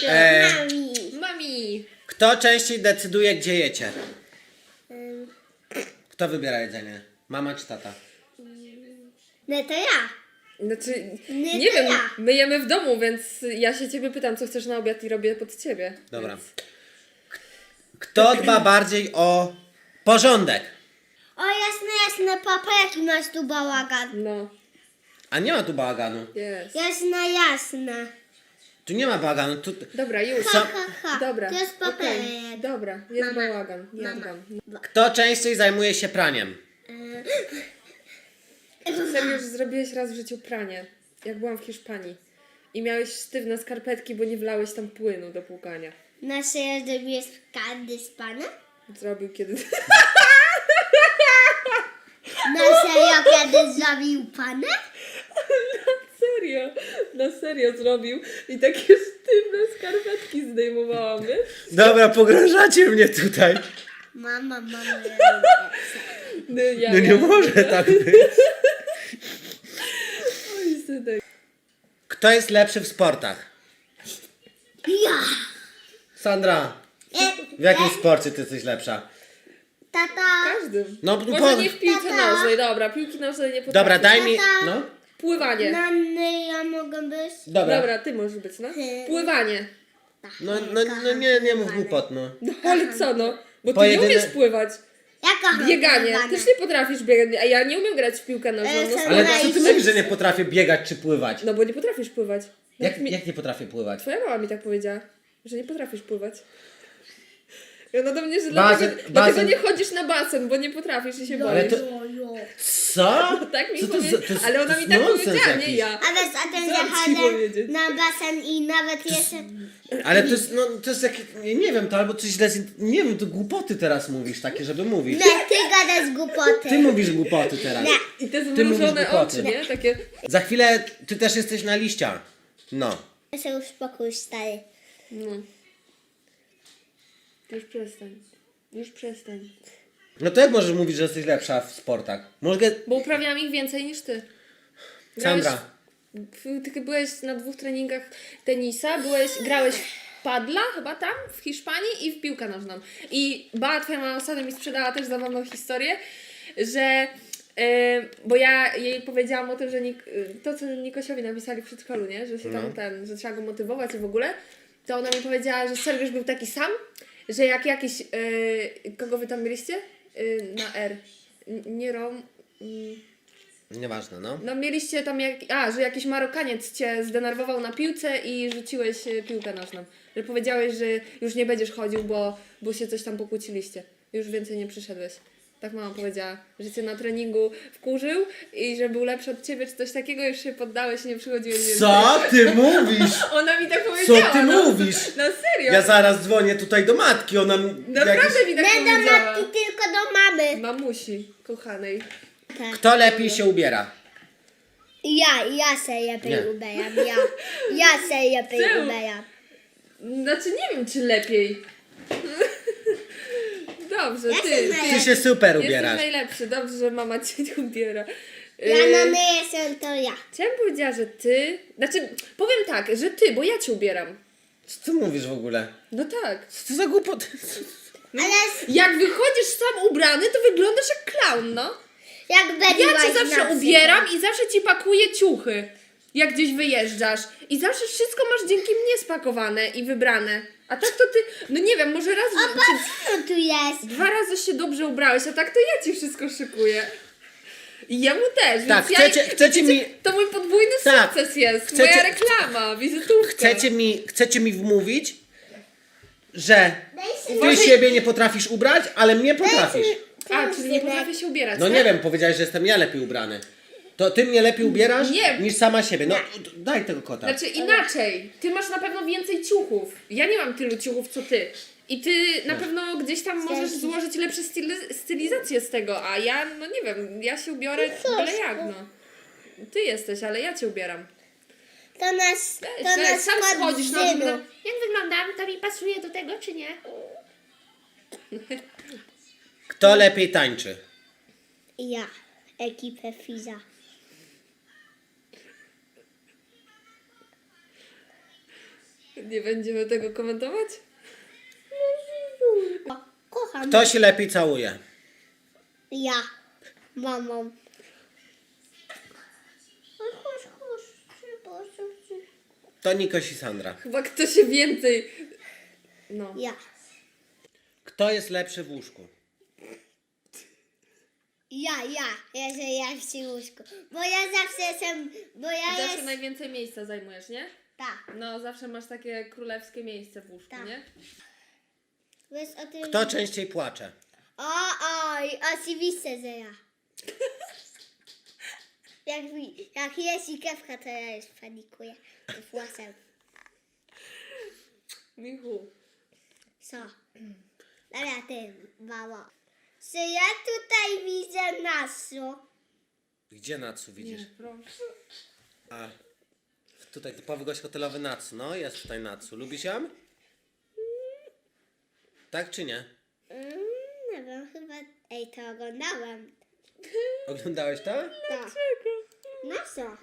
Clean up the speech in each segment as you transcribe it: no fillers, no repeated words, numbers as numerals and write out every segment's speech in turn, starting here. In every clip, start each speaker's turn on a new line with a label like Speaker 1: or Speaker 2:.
Speaker 1: Mami.
Speaker 2: Kto częściej decyduje, gdzie jecie? Kto wybiera jedzenie? Mama czy tata?
Speaker 3: No to ja.
Speaker 1: Znaczy,
Speaker 3: Nie,
Speaker 1: nie
Speaker 3: to
Speaker 1: wiem,
Speaker 3: ja.
Speaker 1: my jemy w domu, więc ja się ciebie pytam, co chcesz na obiad i robię pod ciebie.
Speaker 2: Dobra.
Speaker 1: Więc...
Speaker 2: Kto dba bardziej o porządek?
Speaker 3: O jasne, papa, jaki masz tu bałagan.
Speaker 1: No,
Speaker 2: A nie ma tu bałaganu.
Speaker 1: jest.
Speaker 3: Jasne.
Speaker 2: Tu nie ma bałaganu. Tu...
Speaker 1: Dobra, już.
Speaker 3: Ha.
Speaker 1: Dobra.
Speaker 3: To jest
Speaker 1: okej.
Speaker 3: papierek.
Speaker 1: Dobra, jest
Speaker 3: Mama.
Speaker 1: bałagan. Ja
Speaker 3: Mama.
Speaker 1: dbam.
Speaker 2: Kto częściej zajmuje się praniem?
Speaker 1: Serio, już zrobiłeś raz w życiu pranie, jak byłam w Hiszpanii. I miałeś sztywne skarpetki, bo nie wlałeś tam płynu do płukania.
Speaker 3: Na serio zrobiłeś każdy z pana?
Speaker 1: Zrobił kiedy...
Speaker 3: Na serio kiedy zrobił pana?
Speaker 1: Na serio zrobił. I takie sztywne skarpetki zdejmowałam, wiesz?
Speaker 2: Dobra, pogrążacie mnie tutaj.
Speaker 3: Mama.
Speaker 2: No nie może tak być.
Speaker 1: Oj, synek.
Speaker 2: Kto jest lepszy w sportach?
Speaker 3: Ja.
Speaker 2: Sandra, w jakim sporcie ty jesteś lepsza?
Speaker 3: Tata.
Speaker 1: Każdym.
Speaker 2: No,
Speaker 1: Może nie w piłce
Speaker 3: Tata.
Speaker 1: nożnej, dobra, piłki nożnej nie potrafię.
Speaker 2: Dobra, daj mi...
Speaker 3: Tata.
Speaker 2: No.
Speaker 1: Pływanie.
Speaker 3: Nanny, ja mogę być?
Speaker 1: Dobra, ty możesz być, no. Pływanie.
Speaker 2: No nie mów głupot, no.
Speaker 1: No ale co, no? Bo ty
Speaker 2: Pojedyne-
Speaker 1: nie umiesz pływać.
Speaker 3: Jaka
Speaker 1: Bieganie. Też nie potrafisz biegać. A ja nie umiem grać w piłkę nożną. No,
Speaker 3: Ale
Speaker 2: Ale
Speaker 3: Dobra,
Speaker 2: co ty
Speaker 3: idź.
Speaker 2: mówisz, że nie potrafię biegać czy pływać?
Speaker 1: no bo nie potrafisz pływać.
Speaker 2: Jak nie potrafię pływać?
Speaker 1: Twoja mama mi tak powiedziała, że nie potrafisz pływać. I ona do mnie, że
Speaker 2: Basen-
Speaker 1: dlatego
Speaker 2: basen-
Speaker 1: nie chodzisz na basen, bo nie potrafisz i się
Speaker 2: Ale
Speaker 1: boisz.
Speaker 2: to... Co?
Speaker 1: Tak mi
Speaker 2: Co to
Speaker 1: powiedziała,
Speaker 2: za- to jest-
Speaker 1: ale
Speaker 2: to
Speaker 1: ona mi
Speaker 2: jest
Speaker 1: tak
Speaker 2: nonsens
Speaker 1: powiedziała, nie
Speaker 2: jakiś.
Speaker 1: ja.
Speaker 3: A wiesz, a ten
Speaker 1: Co mam ci
Speaker 3: zachodzę
Speaker 1: powiedzieć?
Speaker 3: na basen i nawet jeszcze...
Speaker 2: Ale to jest, no, to jest jak... Nie wiem, to albo coś źle... Nie wiem, to głupoty teraz mówisz takie, żeby mówić.
Speaker 3: Nie, ty gadasz głupoty.
Speaker 2: Ty mówisz głupoty teraz.
Speaker 3: Nie.
Speaker 1: I te
Speaker 2: Ty mówisz
Speaker 1: zmrużone
Speaker 2: głupoty.
Speaker 1: oczy, nie? Takie...
Speaker 2: Za chwilę ty też jesteś na liścia. No.
Speaker 3: Ja się uspokój, stary.
Speaker 1: No. Już przestań. Już przestań.
Speaker 2: No to jak możesz mówić, że jesteś lepsza w sportach? Mogę...
Speaker 1: Bo uprawiałam ich więcej niż ty.
Speaker 2: Sandra.
Speaker 1: Ty byłeś na 2 treningach tenisa, grałeś w padla chyba tam, w Hiszpanii i w piłkę nożną. I twoja mama ostatnio mi sprzedała też zabawną historię, że bo ja jej powiedziałam o tym, że to co Nikosiowi napisali w przedszkolu, nie? Że się tam że trzeba go motywować i w ogóle, to ona mi powiedziała, że Sergiusz był taki sam, że jak jakiś kogo wy tam mieliście? Na R. Nie Rom.
Speaker 2: Nieważne, no.
Speaker 1: No mieliście tam że jakiś Marokaniec cię zdenerwował na piłce i rzuciłeś piłkę nożną. Że powiedziałeś, że już nie będziesz chodził, bo się coś tam pokłóciliście. Już więcej nie przyszedłeś. Tak mama powiedziała, że cię na treningu wkurzył i że był lepszy od ciebie, czy coś takiego, już się poddałeś i nie przychodziłeś więcej.
Speaker 2: Co ty mówisz?
Speaker 1: Ona mi tak powiedziała.
Speaker 2: Co ty
Speaker 1: no.
Speaker 2: mówisz?
Speaker 1: No serio.
Speaker 2: Ja zaraz dzwonię tutaj do matki, ona...
Speaker 1: Naprawdę mi tak
Speaker 3: Nie do
Speaker 1: powiedziała.
Speaker 3: matki, tylko do mamy.
Speaker 1: Mamusi, kochanej.
Speaker 3: Tak.
Speaker 2: Kto lepiej się ubiera?
Speaker 3: Ja się
Speaker 2: Nie.
Speaker 3: lepiej ubieram, ja się lepiej
Speaker 1: Czemu?
Speaker 3: ubieram.
Speaker 1: Znaczy nie wiem, czy lepiej. Dobrze,
Speaker 3: Ja
Speaker 1: ty.
Speaker 3: się
Speaker 2: Ty się super
Speaker 1: Jesteś
Speaker 2: ubierasz.
Speaker 1: najlepszy, dobrze, że mama cię nie ubiera.
Speaker 3: Ja na my jestem to ja.
Speaker 1: Czy ja bym powiedziała, że ty... Znaczy, powiem tak, że ty, bo ja cię ubieram.
Speaker 2: Co ty mówisz w ogóle?
Speaker 1: No tak.
Speaker 2: Co to za głupoty?
Speaker 3: Ale
Speaker 1: Jak wychodzisz sam ubrany, to wyglądasz jak klaun, no.
Speaker 3: jak
Speaker 1: Ja
Speaker 3: będziesz
Speaker 1: cię zawsze ubieram i zawsze ci pakuję ciuchy, jak gdzieś wyjeżdżasz. I zawsze wszystko masz dzięki mnie spakowane i wybrane. A tak to ty, no nie wiem, może raz czy
Speaker 3: Co tu jest?
Speaker 1: 2 razy się dobrze ubrałeś, a tak to ja ci wszystko szykuję. I jemu też,
Speaker 2: Tak,
Speaker 1: więc
Speaker 2: chcecie mi...
Speaker 1: to mój podwójny
Speaker 2: Tak.
Speaker 1: sukces jest,
Speaker 2: Chcecie-
Speaker 1: moja reklama, wizytówka.
Speaker 2: Chcecie mi wmówić, że ty
Speaker 1: Może-
Speaker 2: siebie nie potrafisz ubrać, ale mnie potrafisz.
Speaker 1: A, czyli nie potrafię się ubierać,
Speaker 2: No
Speaker 1: tak?
Speaker 2: nie wiem, powiedziałeś, że jestem ja lepiej ubrany. To ty mnie lepiej ubierasz
Speaker 1: Nie.
Speaker 2: niż sama siebie. No daj tego kota.
Speaker 1: Znaczy inaczej, ty masz na pewno więcej ciuchów. Ja nie mam tylu ciuchów co ty. I ty na pewno gdzieś tam możesz złożyć lepsze stylizacje z tego, a ja, no nie wiem, ja się ubiorę byle jak, no. Ty jesteś, ale ja cię ubieram.
Speaker 3: To nas
Speaker 1: Sam schodzisz na
Speaker 3: Zymu.
Speaker 1: mnie. Jak wyglądam? To mi pasuje do tego, czy nie?
Speaker 2: Kto lepiej tańczy?
Speaker 3: Ja, ekipę Fiza.
Speaker 1: Nie będziemy tego komentować?
Speaker 3: Kocham.
Speaker 2: Kto się lepiej całuje?
Speaker 3: Ja. Mamą. Chodź.
Speaker 2: To Nikoś i Sandra.
Speaker 1: Chyba kto się więcej... No.
Speaker 3: Ja.
Speaker 2: Kto jest lepszy w łóżku?
Speaker 3: Ja, że ja w tym łóżku. Bo ja zawsze jestem, bo ja
Speaker 1: Zawsze
Speaker 3: jest...
Speaker 1: najwięcej miejsca zajmujesz, nie?
Speaker 3: Tak.
Speaker 1: No, zawsze masz takie królewskie miejsce w łóżku,
Speaker 3: Tak.
Speaker 1: nie?
Speaker 3: Wiesz o tym...
Speaker 2: Kto częściej płacze?
Speaker 3: Oj, oczywiście, że ja. Jak jest i kawka, to ja już panikuję. Włosem.
Speaker 1: Michu.
Speaker 3: Co? Dobra, ty, mamo. Czy ja tutaj widzę nasu?
Speaker 2: Gdzie Natsu widzisz?
Speaker 1: Nie, proszę.
Speaker 2: A, tutaj typowy gość hotelowy Natsu. No, jest tutaj Natsu. Lubisz ją? Tak czy nie?
Speaker 3: Nie wiem, chyba... Ej, to oglądałam.
Speaker 2: Oglądałeś to?
Speaker 3: Tak. No co?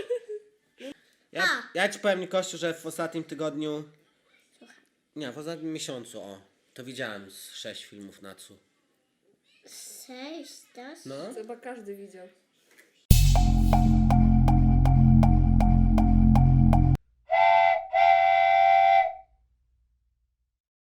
Speaker 2: Ja ci powiem, Kościu, że w ostatnim tygodniu... Nie, w ostatnim miesiącu, to widziałem z 6 filmów Natsu.
Speaker 3: 6, to?
Speaker 2: No.
Speaker 1: Chyba każdy widział.